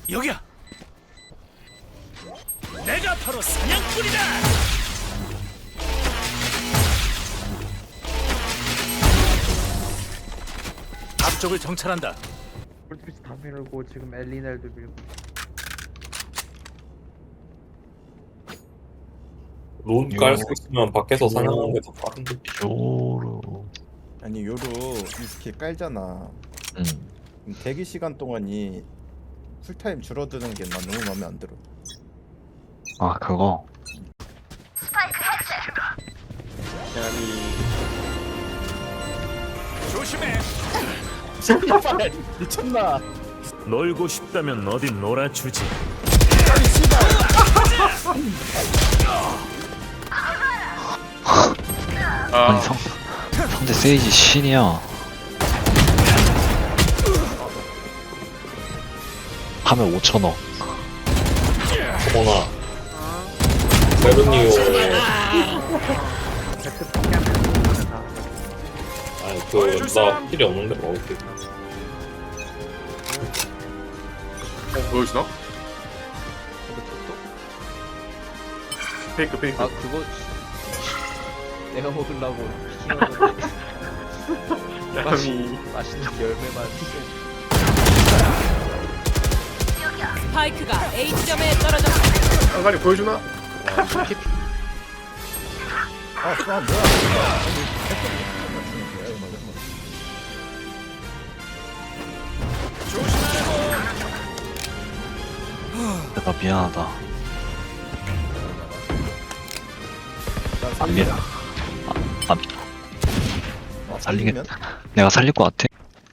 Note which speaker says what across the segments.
Speaker 1: 여기야. 내가 바로 사냥꾼이다. 앞쪽을 정찰한다.
Speaker 2: 폴트리스 다 밀고 지금 엘리넬도 밀고.
Speaker 3: 론 깔 수 있으면 밖에서 사냥하는 게 더 빠른데.
Speaker 4: 요로.
Speaker 5: 아니 요로 이 스킬 깔잖아. 그럼 대기 시간 동안이 쿨타임 줄어드는 게 난 너무 마음에 안 들어.
Speaker 4: 아 그거.
Speaker 1: 조심해.
Speaker 5: 미쳤나?
Speaker 1: 놀고 싶다면 어디 놀아주지.
Speaker 4: 아니 상대 세이지 신이야. 하면 5,000원.
Speaker 3: 어머나. 세븐니오.
Speaker 2: 백트 포기하면 다.
Speaker 3: 아니 그나 필요 없는데 먹을게.
Speaker 6: 보여주나? 페이크 페이크.
Speaker 7: 아 그거 내가 먹으려고 키웠는데
Speaker 6: 야미.
Speaker 7: 맛있는 열매만
Speaker 8: 스파이크가 A 지점에 떨어졌습니다.
Speaker 6: 상관이 보여주나?
Speaker 5: 아 수아 뭐야?
Speaker 4: 내가 미안하다. 안 밀어. 안 살리겠다. 내가 살릴 것 같아.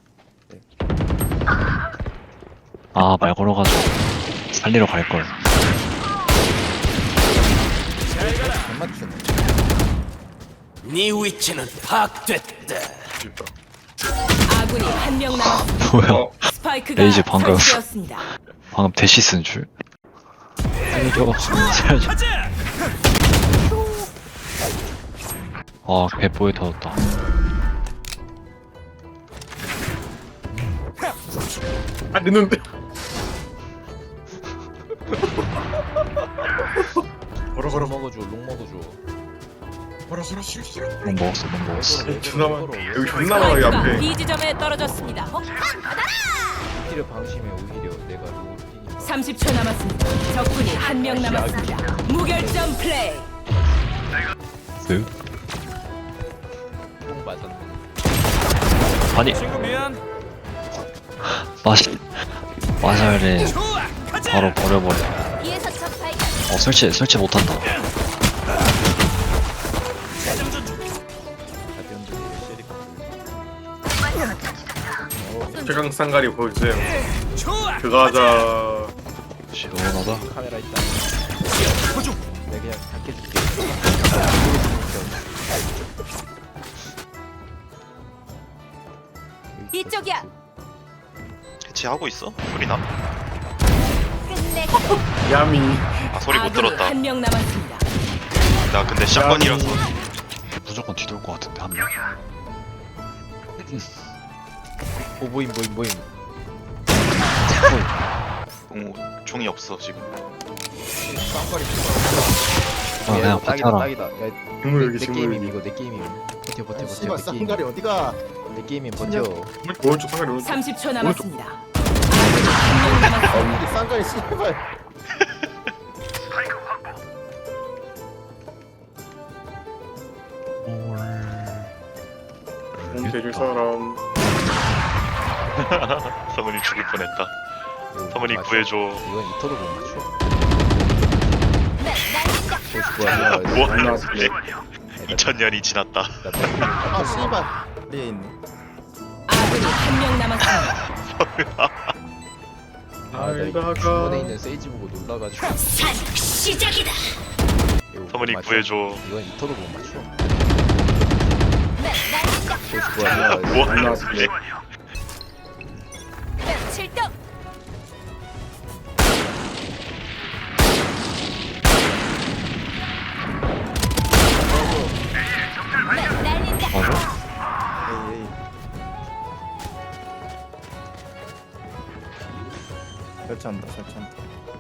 Speaker 4: 아 말 걸어가지고 살리러 갈 걸.
Speaker 5: 안 맞추네.
Speaker 1: 네 위치는 파악됐다.
Speaker 8: 아군이 한 명 남았습니다.
Speaker 4: 뭐야?
Speaker 8: 스파이크가
Speaker 4: 레이즈 방금.
Speaker 8: 설치되었습니다.
Speaker 4: 방금 대시 쓴 줄. 살려. 살려.
Speaker 1: 가자.
Speaker 4: 아 배포에 터졌다.
Speaker 6: 아 늦는데.
Speaker 7: 롱 먹어줘 롱 먹어줘
Speaker 6: 뭐라 싫어.
Speaker 4: 롱 먹었어 롱 먹었어.
Speaker 6: 존나 많아. 여기 존나 많아 여기
Speaker 8: 스파이크가
Speaker 6: 앞에.
Speaker 8: B 지점에 떨어졌습니다.
Speaker 7: 오히려 방심해 오히려 내가 롱을 뛰니까
Speaker 8: 30초 남았습니다. 적군이 한 명 남았습니다. 무결점 플레이.
Speaker 4: 쓱.
Speaker 7: 롱 맞았네
Speaker 4: 아니
Speaker 1: 친구 미안.
Speaker 4: 맞아야 돼.
Speaker 1: 좋아. 가자.
Speaker 4: 바로 버려버려. 설치 못한다.
Speaker 6: 최강 쌍가리 보여주세요.
Speaker 1: 좋아.
Speaker 6: 그거 하자.
Speaker 4: 시원하다.
Speaker 7: 카메라 있다 내가 그냥 닦여줄게
Speaker 8: 이쪽이야.
Speaker 9: 해체하고 있어? 소리 나?
Speaker 6: 야미.
Speaker 9: 아 소리 못
Speaker 8: 아군이
Speaker 9: 들었다.
Speaker 8: 한 명 남았습니다.
Speaker 9: 나 근데 샷건이라서
Speaker 4: 무조건 뒤돌 것 같은데 한 명.
Speaker 7: 오 보임
Speaker 9: 종이 없어 지금.
Speaker 4: 아 그냥
Speaker 7: 딱이다
Speaker 4: 버텨라.
Speaker 7: 딱이다 야,
Speaker 6: 식물 여기
Speaker 7: 내
Speaker 6: 식물
Speaker 7: 게임임
Speaker 6: 여기.
Speaker 7: 이거 내 게임임 버텨
Speaker 5: 씨발
Speaker 7: 내 게임
Speaker 5: 쌍가리 어디가?
Speaker 7: 내 게임임 버텨
Speaker 6: 오른쪽 쌍가리 오른쪽.
Speaker 8: 30초 남았습니다. 아군이 한 명 남았습니다.
Speaker 5: 이 쌍가리 씨발.
Speaker 6: 몸 대줄 사람.
Speaker 9: 서문이 죽을 뻔했다.
Speaker 7: 이거
Speaker 9: 서문이
Speaker 7: 맞춰.
Speaker 9: 구해줘.
Speaker 7: 이건 이터도 못 맞춰
Speaker 9: 뭐
Speaker 6: 안
Speaker 9: 하는
Speaker 6: 나왔어.
Speaker 9: 소리? 2000년이 지났다.
Speaker 5: 아 씨발. 리에 있네.
Speaker 8: 아군이 한 명 남았습니다.
Speaker 6: 알다가.
Speaker 7: 주머니에 있는 세이지 보고 놀라가지고
Speaker 8: 시작이다.
Speaker 7: 이거
Speaker 9: 서문이
Speaker 7: 맞춰.
Speaker 9: 구해줘.
Speaker 7: 이건 이터도 못 맞춰
Speaker 9: 뭐
Speaker 6: 안
Speaker 9: 하는
Speaker 6: 나왔어.
Speaker 9: 소리?
Speaker 8: 출동.
Speaker 4: 맞아?
Speaker 5: 설치한다 설치한다.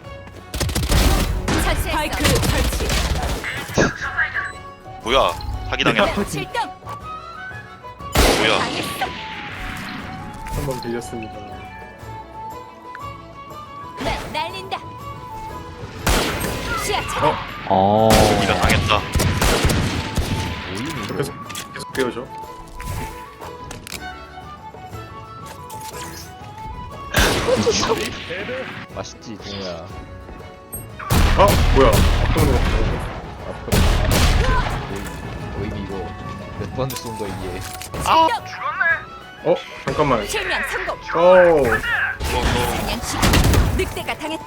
Speaker 8: 스파이크 설치.
Speaker 9: 뭐야? 사기당했다.
Speaker 8: 실점.
Speaker 9: 뭐야?
Speaker 6: 한번 빌렸습니다.
Speaker 8: 네, 날린다. 시야 차단.
Speaker 9: 네가 당했다.
Speaker 6: 계속 배워줘.
Speaker 7: 맛있지 동우야.
Speaker 6: 아 뭐야? 앞으로
Speaker 7: 너희 이거 몇 번 쏜 거 이게.
Speaker 6: 잠깐만.
Speaker 8: 실명 성공.
Speaker 6: 오.
Speaker 8: 사냥식. 늑대가 당했다.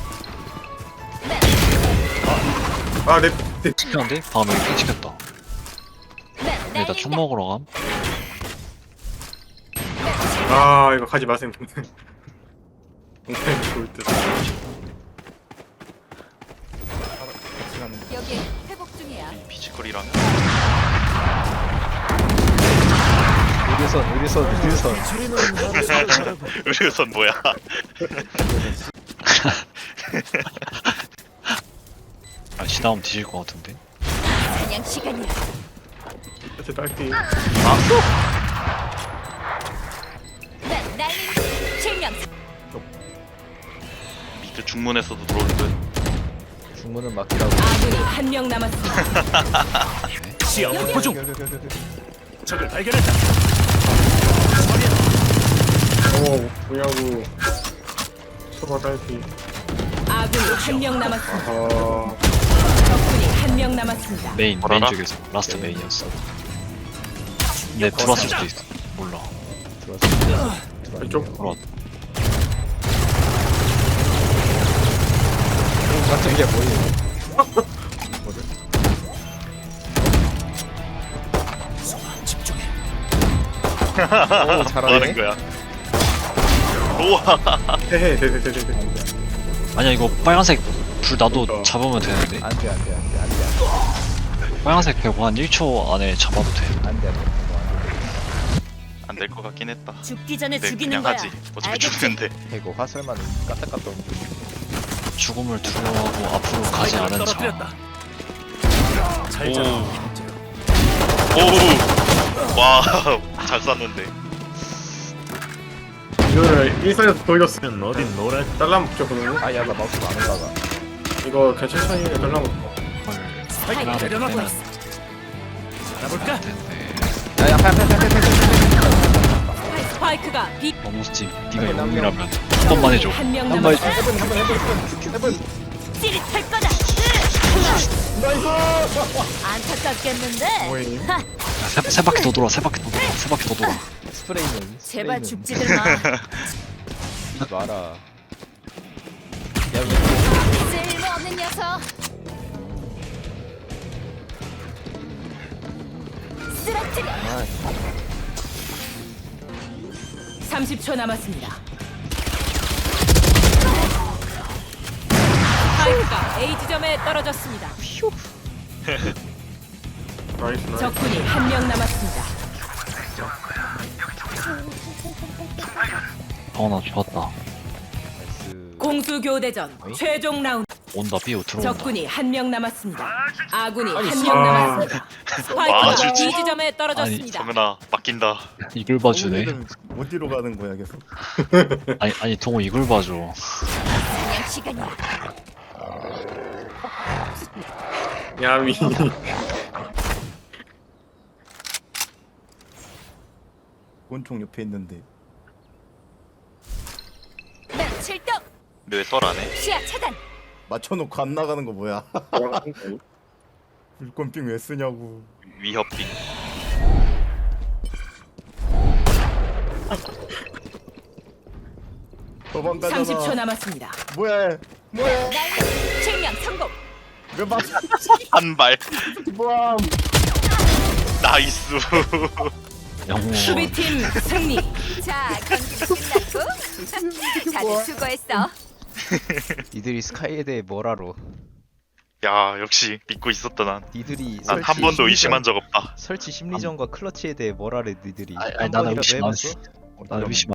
Speaker 6: 아내
Speaker 4: 시켰는데? 다음에 핑 시켰다.
Speaker 8: 네,
Speaker 4: 근데 나 총 먹으러 감?
Speaker 6: 아 이거 가지 마세요. 엉덩이 좋을 듯.
Speaker 8: 여기 회복 중이야.
Speaker 9: 피지컬이라면
Speaker 7: 의료선.
Speaker 9: 의료선 뭐야?
Speaker 4: 아, 지나오면 뒤질 것 같은데?
Speaker 8: 사냥 시간이야.
Speaker 6: 제 딸기.
Speaker 8: 네, 날린다. 실명.
Speaker 9: 미드 중문에서도 들어올 듯.
Speaker 7: 중문은 막히라고.
Speaker 8: 아군이 한 명 남았습니다.
Speaker 1: 시야 확보 중. 적을 발견했다.
Speaker 6: 뭐냐고. 소바 딸기.
Speaker 8: 아군이 한 명 남았습니다.
Speaker 6: 아
Speaker 8: 적군이 한 명 남았습니다.
Speaker 4: 메인
Speaker 9: 뭐라나?
Speaker 4: 쪽에서 라스트 메인이었어. 근데 들어왔을 수도 있어. 몰라.
Speaker 6: 이쪽.
Speaker 4: 들어왔.
Speaker 7: 깜짝이야 뭐야?
Speaker 1: 집중해.
Speaker 7: 오
Speaker 9: 뭐
Speaker 7: 잘하네.
Speaker 9: 하는 거야? 우와.
Speaker 6: 헤헤.
Speaker 4: 아니야, 이거 빨간색 불 나도 잡으면 되는데?
Speaker 7: 안돼.
Speaker 4: 빨간색 배고 한 1초 안에 잡아도 돼.
Speaker 7: 안돼.
Speaker 9: 안 될 것 같긴 했다.
Speaker 8: 죽기 전에
Speaker 9: 근데
Speaker 8: 죽이는
Speaker 9: 그냥
Speaker 8: 거야.
Speaker 9: 하지. 어차피
Speaker 8: 알겠지?
Speaker 9: 죽는데.
Speaker 7: 이거 화살만 까딱까딱 움직여.
Speaker 4: 죽음을 두려워하고 앞으로 가지 않은 자.
Speaker 1: 떨어뜨렸다. 잘 자.
Speaker 9: 오. 와. 잘 쐈는데.
Speaker 6: 이거를 일선에서 보여줬으면
Speaker 1: 면 어딘 놀아.
Speaker 6: 달라 먹죠 그러면.
Speaker 7: 아야 나 마우스 안 올라가.
Speaker 6: 이거 그냥 천천히 달라 먹고.
Speaker 8: 스파이크
Speaker 1: 하나
Speaker 8: 내려놓고
Speaker 1: 되나?
Speaker 8: 있어.
Speaker 1: 알아볼까?
Speaker 7: 야야
Speaker 8: 스파이크가 빅.
Speaker 4: 어머스집 네가 영웅이라면 한 번만 해줘.
Speaker 8: 한명
Speaker 4: 한 번 해줘.
Speaker 8: 남았어. 찌릿할 거다. 안타깝겠는데.
Speaker 6: 뭐임?
Speaker 4: 세 바퀴 더 돌아. 세 바퀴 더 돌아. 세 바퀴 더 돌아.
Speaker 7: 스프레이는
Speaker 8: 제발 죽지들 마.
Speaker 7: 마라. 야
Speaker 8: 쓸모없는 녀석. 쓰러뜨려. 30초 남았습니다. 스파이크가 A 지점에 떨어졌습니다.
Speaker 6: 나이스.
Speaker 8: 적군이 한 명 남았습니다.
Speaker 4: 나 좋았다.
Speaker 7: 나이스.
Speaker 8: 공수 교대전 최종 라운드.
Speaker 4: 온다. 삐오 들어온다.
Speaker 8: 적군이 한 명 남았습니다. 아군이 한
Speaker 6: 아.
Speaker 8: 명 남았습니다. 스파이크가
Speaker 9: 진짜.
Speaker 8: B 지점에 떨어졌습니다.
Speaker 9: 정은아 맡긴다.
Speaker 4: 이글 봐주네.
Speaker 5: 오늘은 어디로 가는 거야 계속?
Speaker 4: 아니 동호 이글 봐줘.
Speaker 8: 그냥 시간이야.
Speaker 6: 야미.
Speaker 5: 권총 옆에 있는데.
Speaker 8: 네, 7점.
Speaker 9: 근데 왜 썰 안 해?
Speaker 8: 시야 차단.
Speaker 5: 맞춰놓고 안 나가는 거 뭐야? 불꽃빙 왜 쓰냐고.
Speaker 9: 위협빙.
Speaker 5: 도망가잖아.
Speaker 8: 30초 남았습니다.
Speaker 5: 뭐야? 뭐야?
Speaker 8: 실명 성공.
Speaker 5: 왜 맞춰?
Speaker 9: 한 발.
Speaker 5: 뭐야?
Speaker 9: 나이스.
Speaker 4: 영웅.
Speaker 8: 수비팀 승리. 자, 경기도 끝났고. 다들 수고했어.
Speaker 7: 니들이 스카이에 대해 뭘 알아?
Speaker 9: 야 역시 믿고 있었다 난.
Speaker 7: 니들이
Speaker 9: 난 한 번도 의심한 적 없다.
Speaker 7: 설치 심리전과 클러치에 대해 뭘 알아? 니들이
Speaker 4: 아니,
Speaker 7: 한
Speaker 4: 나는
Speaker 7: 번이라도
Speaker 4: 의심 안
Speaker 7: 해봤어?
Speaker 4: 했어. 나는 의심